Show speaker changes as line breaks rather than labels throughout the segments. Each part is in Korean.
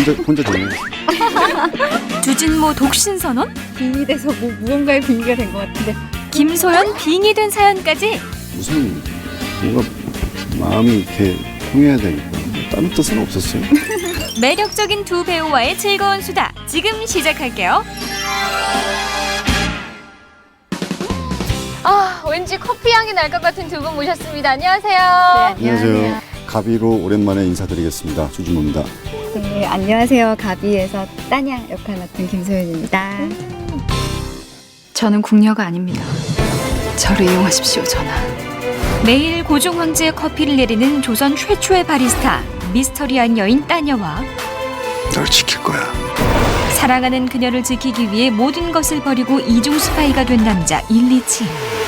혼자 되네.
주진모 독신 선언?
빙이 돼서 무언가의 빙의가 된 것 같은데.
김소연 빙이 된 사연까지.
무슨 뭔가 마음이 이렇게 통해야 되니까 다른 뜻은 없었어요.
매력적인 두 배우와의 즐거운 수다 지금 시작할게요.
왠지 커피 향이 날 것 같은 두 분 모셨습니다. 안녕하세요.
안녕하세요. 가비로 오랜만에 인사드리겠습니다. 주진모입니다.
네, 안녕하세요. 가비에서 따냥 역할 맡은 김소연입니다.
저는 궁녀가 아닙니다. 저를 이용하십시오, 전하.
매일 고종 황제의 커피를 내리는 조선 최초의 바리스타 미스터리한 여인 따녀와
널 지킬 거야.
사랑하는 그녀를 지키기 위해 모든 것을 버리고 이중 스파이가 된 남자 일리치.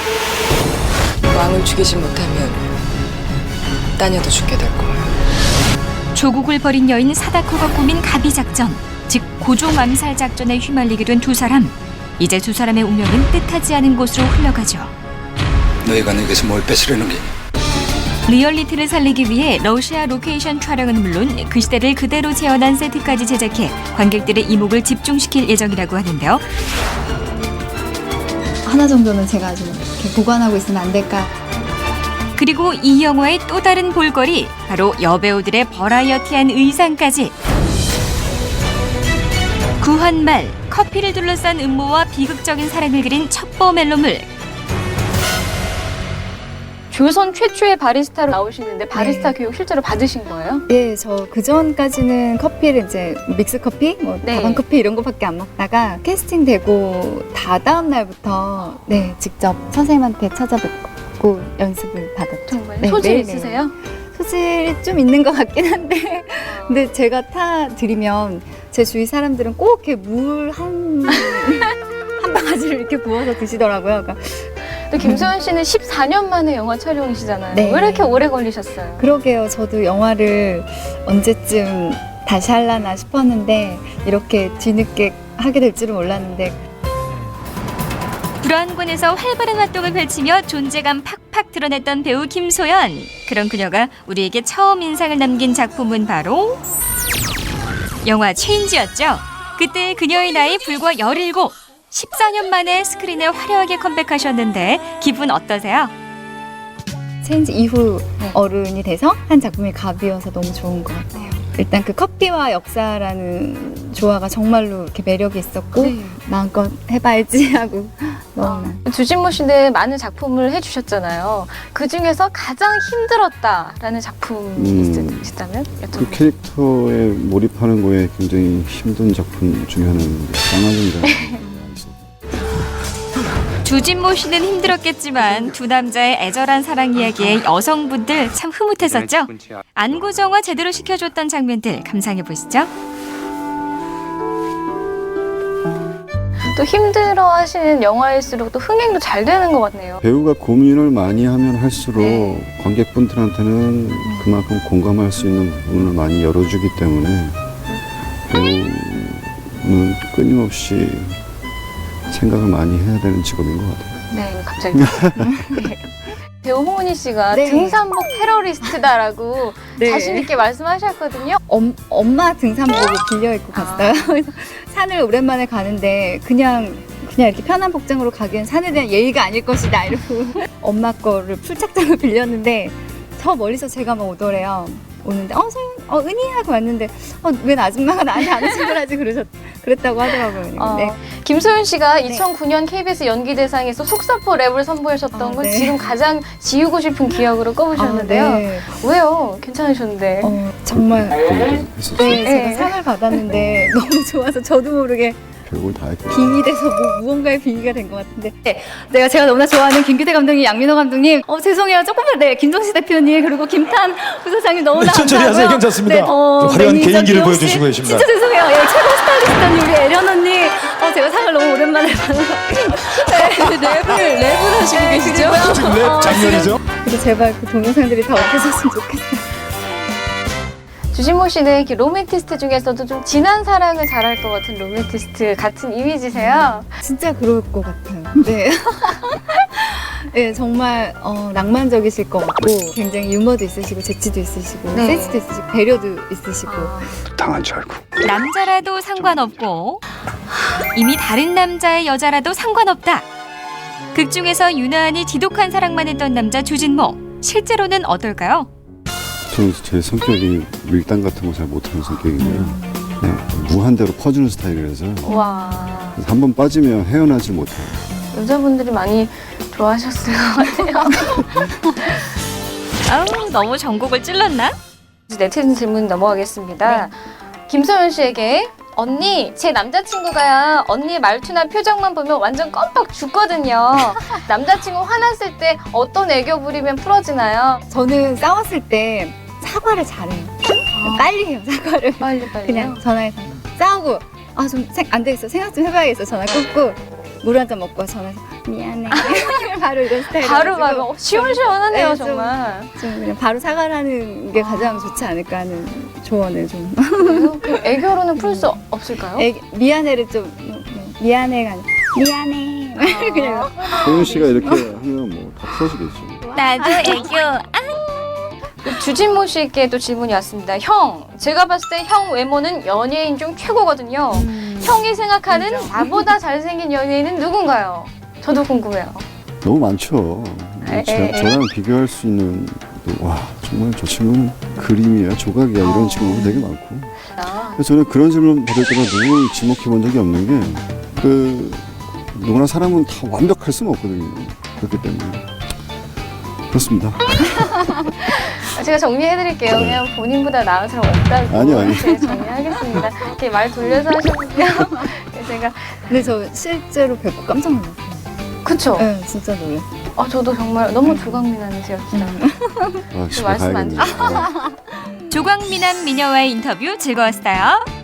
왕을 죽이지 못하면 따녀도 죽게 될 거야.
조국을 버린 여인 사다코가 꾸민 가비 작전, 즉 고종 암살 작전에 휘말리게 된 두 사람. 이제 두 사람의 운명은 뜻하지 않은 곳으로 흘러가죠.
너희가 내게서 뭘 뺏으려는 게?
리얼리티를 살리기 위해 러시아 로케이션 촬영은 물론 그 시대를 그대로 재현한 세트까지 제작해 관객들의 이목을 집중시킬 예정이라고 하는데요.
하나 정도는 제가 좀 이렇게 보관하고 있으면 안 될까.
그리고 이 영화의 또 다른 볼거리, 바로 여배우들의 버라이어티한 의상까지. 구한말, 커피를 둘러싼 음모와 비극적인 사랑을 그린 첩보 멜로물.
조선 최초의 바리스타로 나오시는데 바리스타 교육 실제로 받으신 거예요?
예, 저 그전까지는 커피를 이제 믹스 커피, 뭐
네.
다방 커피 이런 거밖에 안 먹다가 캐스팅 되고 다다음 날부터 네, 직접 선생님한테 찾아뵙고 연습을 받았죠.
정말
네,
소질
매일매일.
있으세요?
소질이 좀 있는 것 같긴 한데 근데 제가 타 드리면 제 주위 사람들은 꼭 이렇게 물 한 바가지를 이렇게 부어서 드시더라고요. 그러니까
또 김소연 씨는 14년 만에 영화 촬영이시잖아요.
네.
왜 이렇게 오래 걸리셨어요?
그러게요. 저도 영화를 언제쯤 다시 하려나 싶었는데 이렇게 뒤늦게 하게 될 줄은 몰랐는데
불안군에서 활발한 활동을 펼치며 존재감 팍팍 드러냈던 배우 김소연. 그런 그녀가 우리에게 처음 인상을 남긴 작품은 바로 영화 체인지였죠. 그때 그녀의 나이 불과 17. 14년 만에 스크린에 화려하게 컴백하셨는데 기분 어떠세요?
체인지 이후
네.
어른이 돼서 한 작품이 가비여서 너무 좋은 것 같아요. 일단 그 커피와 역사라는 조화가 정말로 이렇게 매력이 있었고
네.
마음껏 해봐야지 하고 너무나
주진모 씨는 많은 작품을 해주셨잖아요. 그 중에서 가장 힘들었다라는 작품이 있다면
그
여쭤볼게요.
캐릭터에 몰입하는 거에 굉장히 힘든 작품 중에 하나는 쌍화전이라는 있습니다.
주진모 씨는 힘들었겠지만 두 남자의 애절한 사랑 이야기에 여성분들 참 흐뭇했었죠. 안구정화 제대로 시켜줬던 장면들 감상해 보시죠.
또 힘들어하시는 영화일수록 또 흥행도 잘 되는 것 같네요.
배우가 고민을 많이 하면 할수록
네.
관객분들한테는 그만큼 공감할 수 있는 부분을 많이 열어주기 때문에 배우는 끊임없이 생각을 많이 해야 되는 직업인 것 같아요.
네, 갑자기. 네. 배우 홍은희 씨가
네.
등산복 테러리스트다라고
네.
자신 있게 말씀하셨거든요.
엄마 등산복을 빌려 입고 갔어요. 그래서 산을 오랜만에 가는데 그냥 이렇게 편한 복장으로 가기엔 산에 대한 예의가 아닐 것이다 이러고 엄마 거를 풀착장을 빌렸는데 저 멀리서 제가 막 오더래요. 오는데 은희 하고 왔는데 웬 아줌마가 나한테 안 오신걸 하지 그랬다고 하더라고요. 네.
김소연 씨가
네.
2009년 KBS 연기대상에서 속사포 랩을 선보이셨던 건
네.
지금 가장 지우고 싶은 기억으로 꼽으셨는데요.
네.
왜요? 괜찮으셨는데.
정말
했었어요.
네, 제가
네.
상을 받았는데 너무 좋아서 저도 모르게
별걸 다 했거든요.
빙이 돼서 무언가의 빙의가 된 것 같은데 제가 너무나 좋아하는 김규태 감독님, 양민호 감독님 죄송해요 조금만 김종시 대표님 그리고 김탄 부사장님 너무나
천천히
감사하고요.
하세요. 괜찮습니다. 화려한
매니저
개인기를
기용 씨,
보여주시고 계십니다.
진짜 죄송해요. 최고 스타일리스트님 우리 애련 언니 제가 상을 너무 오랜만에 받아서 랩을 하시고 계시죠?
지금 랩 장면이죠?
그래서 제발 그 동영상들이 다 없어졌으면 좋겠어요.
주진모 씨는 이렇게 로맨티스트 중에서도 좀 진한 사랑을 잘할 것 같은 로맨티스트 같은 이미지세요.
진짜 그럴 것 같아요. 네. 네, 정말 낭만적이실 것 같고 굉장히 유머도 있으시고 재치도 있으시고
네.
센스도 있으시고 배려도 있으시고
당한 줄 알고.
남자라도 상관없고 이미 다른 남자의 여자라도 상관없다. 극 중에서 유난히 지독한 사랑만 했던 남자 주진모. 실제로는 어떨까요?
저는 제 성격이 밀당 같은 거 잘 못하는 성격이고요. 그냥 무한대로 퍼주는 스타일이라서
와,
한 번 빠지면 헤어나질 못해요.
여자분들이 많이 좋아하셨을 것 같아요.
아우, 너무 전곡을 찔렀나?
네티즌 질문 넘어가겠습니다. 김소연 씨에게 언니, 제 남자친구가요. 언니의 말투나 표정만 보면 완전 껌뻑 죽거든요. 남자친구 화났을 때 어떤 애교 부리면 풀어지나요?
저는 싸웠을 때 사과를 잘해요. 빨리 해요 사과를.
빨리.
그냥 전화해서 싸우고 좀 안 되겠어 생각 좀 해봐야겠어 전화 끊고 물 한 잔 먹고 전화해서 미안해 바로 이런 스타일
바로 시원시원하네요,
네, 좀-
정말.
좀 그냥 바로 사과를 하는 게 가장 좋지 않을까 하는 조언을 좀
그 애교로는 풀 수 없을까요?
미안해를 좀 미안해가 아니라 미안해 그냥
소연 씨가 이렇게 하면 뭐 다 풀어지겠죠.
나도 애교.
주진모 씨께도 질문이 왔습니다. 형, 제가 봤을 때 형 외모는 연예인 중 최고거든요. 형이 생각하는 나보다 잘생긴 연예인은 누군가요? 저도 궁금해요.
너무 많죠. 저랑 비교할 수 있는 와 정말 저 친구는 그림이야 조각이야 이런 친구가 되게 많고. 그래서 저는 그런 질문 받을 때마다 누굴 지목해 본 적이 없는 게 누구나 사람은 다 완벽할 수는 없거든요. 그렇기 때문에 그렇습니다.
제가 정리해드릴게요. 그냥 본인보다 나은 사람 없다고.
아니요.
네, 정리하겠습니다. 이렇게 말 돌려서 하셨고요. 제가
근데 저 실제로 뵙고 깜짝 놀랐어요.
그쵸?
네, 진짜 놀랐어요.
저도 정말 너무 조각미남이세요, 진짜.
아, 집에
말씀 안
가야겠네요.
조광미남 미녀와의 인터뷰 즐거웠어요.